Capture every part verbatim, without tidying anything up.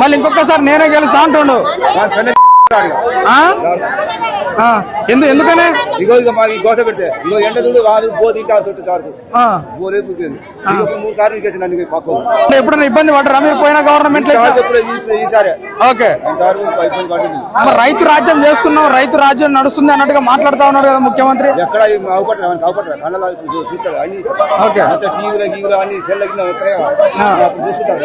మళ్ళీ ఇంకొకసారి నేనే గెలుస్తా అంటుండు. ఎందు ఎందుకనే ఇగో ఇక మాకు గోస పెడితే ఇగో ఎండ చూడు వాడు బో తింటా మూడు సార్లు నన్ను పక్క ఎప్పుడైనా ఇబ్బంది పడరా మీరు పోయిన గవర్నమెంట్ ఈసారి ఓకే రైతు రాజ్యం చేస్తున్నాం రైతు రాజ్యం నడుస్తుంది అన్నట్టుగా మాట్లాడుతా ఉన్నాడు కదా ముఖ్యమంత్రి. ఎక్కడ అవపడతారు అవపడతారు కళ్ళ చూస్తారు అన్ని టీవీలో గీవీలో అన్ని సెల్ చూసుకుంటారు.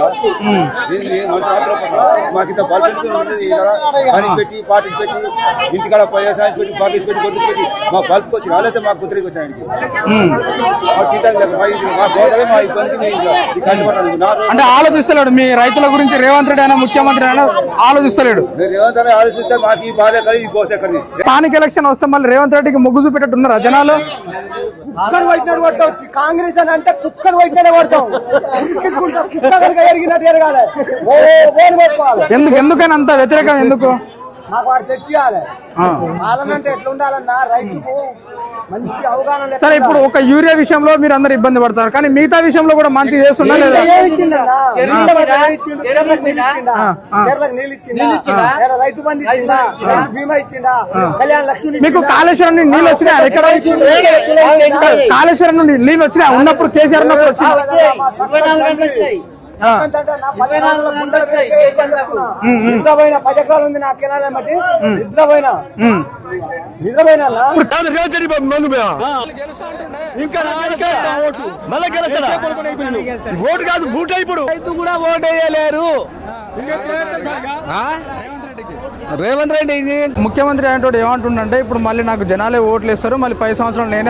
మాకు ఇంత బల్ పెట్టి పార్టీ పెట్టి ఇంటికాడ సైన్స్ పెట్టి పార్టీస్ పెట్టి కొట్టు పెట్టి మా బల్క్ వచ్చి రాలేతే మా కుదిరికి వచ్చాయండి. అంటే ఆలోచిస్తలేడు మీ రైతుల గురించి రేవంత్ రెడ్డి అయినా ముఖ్యమంత్రి అయినా ఆలోచిస్తలేడు. రేవంత్ రెడ్డి ఆలోచిస్తే మాకు ఈ బాధ కలిగి ఈ కోస ఎక్కడ స్థానిక ఎలక్షన్ వస్తే మళ్ళీ రేవంత్ రెడ్డికి మొగ్గు చూపెట్టున్నారా జనాలు? కుక్కను వైట్నాడు పడతాం కాంగ్రెస్ అని అంటే కుక్కను వైట్నాడే పడతాం. ఎందుకు ఎందుకైనా అంత వ్యతిరేకం ఎందుకు? మాకు వాడు తెచ్చియాలి పార్లమెంట్ ఎట్లా ఉండాలన్నా రైతుకు మంచి అవగాహన. సరే ఇప్పుడు ఒక యూరియా విషయంలో మీరు అందరు ఇబ్బంది పడతారు కానీ మిగతా విషయంలో కూడా మంచిగా చేస్తున్నా లేదా? రైతు బంధు ఇచ్చిందా, బీమా ఇచ్చిందా, కళ్యాణ లక్ష్మి. మీకు కాళేశ్వరం నుండి నీళ్ళు వచ్చినాయి? ఎక్కడ కాళేశ్వరం నుండి నీళ్ళు వచ్చినాయి? ఉన్నప్పుడు కేసీఆర్ ఉన్నప్పుడు వచ్చింది. నిద్రపోయిన పది ఎకరాలు ఉంది నా కెనాల బట్టి నిద్రపోయినా నిద్రపోయినా ఓటు కాదు బూట్ ఇప్పుడు రైతు కూడా ఓటు వేయలేరు. రేవంత్ రెడ్డి ముఖ్యమంత్రి అంటే ఏమంటుండంటే ఇప్పుడు మళ్ళీ నాకు జనాలే ఓట్లు వేస్తారు మళ్ళీ పది సంవత్సరాలు నేనే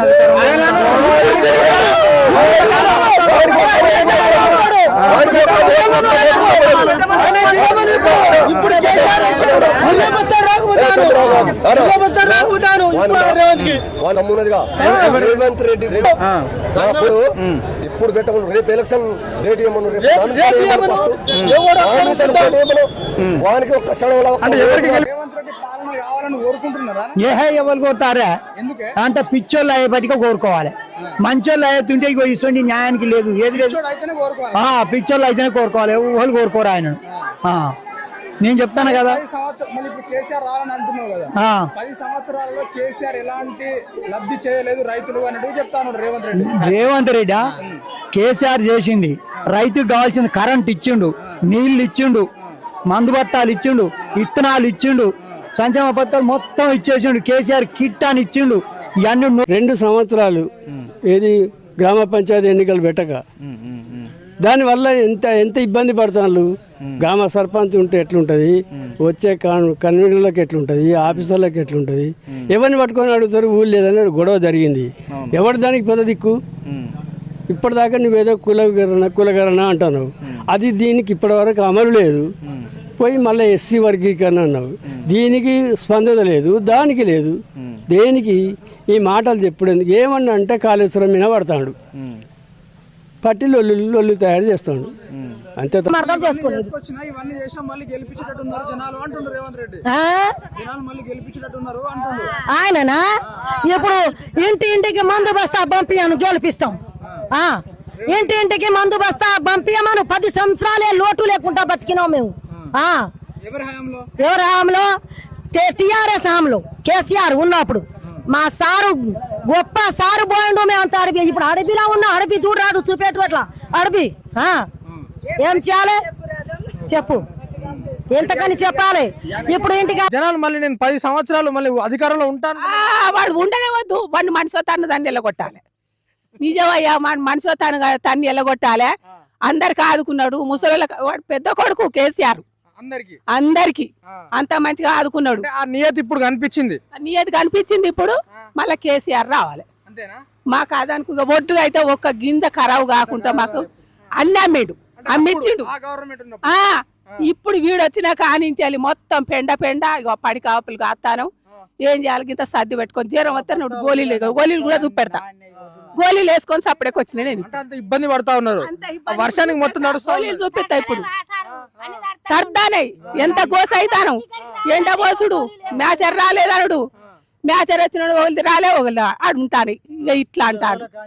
రేవంత్ రెడ్డి ఇప్పుడు పెట్టమను రేపు ఎలక్షన్ డేట్ ఏమను వానికి ఒక్క ఎవరు కోరుతారా అంటే పిచ్చోళ్ళు అయ్యేపటిగా కోరుకోవాలి. మంచోళ్ళు అయ్యేతుంటే ఇగో ఇటువంటి న్యాయానికి లేదు ఏది లేదు. పిచ్చోళ్ళు అయితేనే కోరుకోవాలి ఎవరు కోరుకోరు ఆయన. నేను చెప్తాను కదా కేసీఆర్ రావాలని అంటున్నావు కదా పది సంవత్సరాలలో కేసీఆర్ ఎలాంటి లబ్ధి చేయలేదు రైతులు అన్నట్టు చెప్తాను రేవంత్ రెడ్డి. రేవంత్ రెడ్డి కేసీఆర్ చేసింది రైతుకు కావాల్సింది కరెంట్ ఇచ్చిండు, నీళ్లు ఇచ్చిండు, మందు బత్తాలు ఇచ్చిండు, ఇత్తనాలు ఇచ్చిండు, సంక్షేమ పథకాలు మొత్తం ఇచ్చేసిండు. కేసీఆర్ కిట్ అని ఇచ్చిండు. ఇవన్నీ రెండు సంవత్సరాలు ఏది గ్రామ పంచాయతీ ఎన్నికలు పెట్టక దానివల్ల ఎంత ఎంత ఇబ్బంది పడుతున్నారు. గ్రామ సర్పంచ్ ఉంటే ఎట్లుంటుంది, వచ్చే కన్వీనర్లకు ఎట్లుంటుంది, ఆఫీసర్లకు ఎట్లుంటుంది, ఎవరిని పట్టుకొని అడుగుతారు ఊళ్ళు లేదని గొడవ జరిగింది. ఎవరు దానికి పెద్ద దిక్కు? ఇప్పటిదాకా నువ్వేదో కులగరణ కులగరణ అంటున్నావు, అది దీనికి ఇప్పటివరకు అమలు లేదు. పోయి మళ్ళీ ఎస్సీ వర్గీకరణ అన్నావు, దీనికి స్పందన లేదు, దానికి లేదు. దేనికి ఈ మాటలు చెప్పడం ఏమన్నా అంటే కాళేశ్వరం మీద పడతాడు, పట్టి లొల్లు లొల్లు తయారు చేస్తాడు అంతే. ఆయననా ఇప్పుడు ఇంటి ఇంటికి మందు బస్తా పంపియాను గెలిపిస్తాం. ఇంటి ఇంటికి మందు బస్తా పంపియమను. పది సంవత్సరాలే లోటు లేకుండా బతికినాం మేము. ఎవరి హామీలో? టిఆర్ఎస్ హామీలో కేసీఆర్ ఉన్నప్పుడు మా సారు గొప్ప సారు పోయిండు. మేము అంత అడవి ఇప్పుడు అడవిలా ఉన్నా అడవి చూడరాదు చూపేటు అట్లా అడవి ఏం చేయాలి చెప్పు, ఎంతకని చెప్పాలి? ఇప్పుడు ఇంటికి జనాలు మళ్ళీ నేను పది సంవత్సరాలు మళ్ళీ అధికారంలో ఉంటాను వాడు ఉండనే వద్దు. వాడిని మనిషి తను దాన్ని ఎల్లగొట్టాలి. నిజమయ్యా మనిషి తను తన్ని ఎల్లగొట్టాలి. అందరికి ఆదుకున్నాడు. ముసలి వాడు పెద్ద కొడుకు కేసీఆర్ అందరికి అంత మంచిగా ఆదుకున్నాడు. ఆ నియతి ఇప్పుడు కనిపించింది, నియతి కనిపించింది. ఇప్పుడు మళ్ళా కేసీఆర్ రావాలి. మాకు అదనుకు ఒడ్డుగా అయితే ఒక్క గింజ ఖరాబు కాకుండా మాకు అన్ని అమ్మేడు అమ్మిచ్చిండు. ఇప్పుడు వీడు వచ్చినా కానించాలి మొత్తం పెండ పెండ ఇక పడి కాపులు కాస్తాను. ఏం చేయాలి? ఇంత సర్ది పెట్టుకొని జ్వరం వస్తే నువ్వు గోళీలు గోళీలు కూడా చూపెడతా. గోళీలు వేసుకొని సపరేట్కి వచ్చిన నేను ఇబ్బంది పడతా ఉన్నారు. వర్షానికి మొత్తం గోళీలు చూపిస్తా. ఇప్పుడు తర్దానే ఎంత గోస అవుతాను. ఎండ పోసుడు మ్యాచర్ రాలేదనుడు, మ్యాచర్ వచ్చిన రాలే ఒకళ్ళు అడుంటాను ఇక ఇట్లా అంటాడు.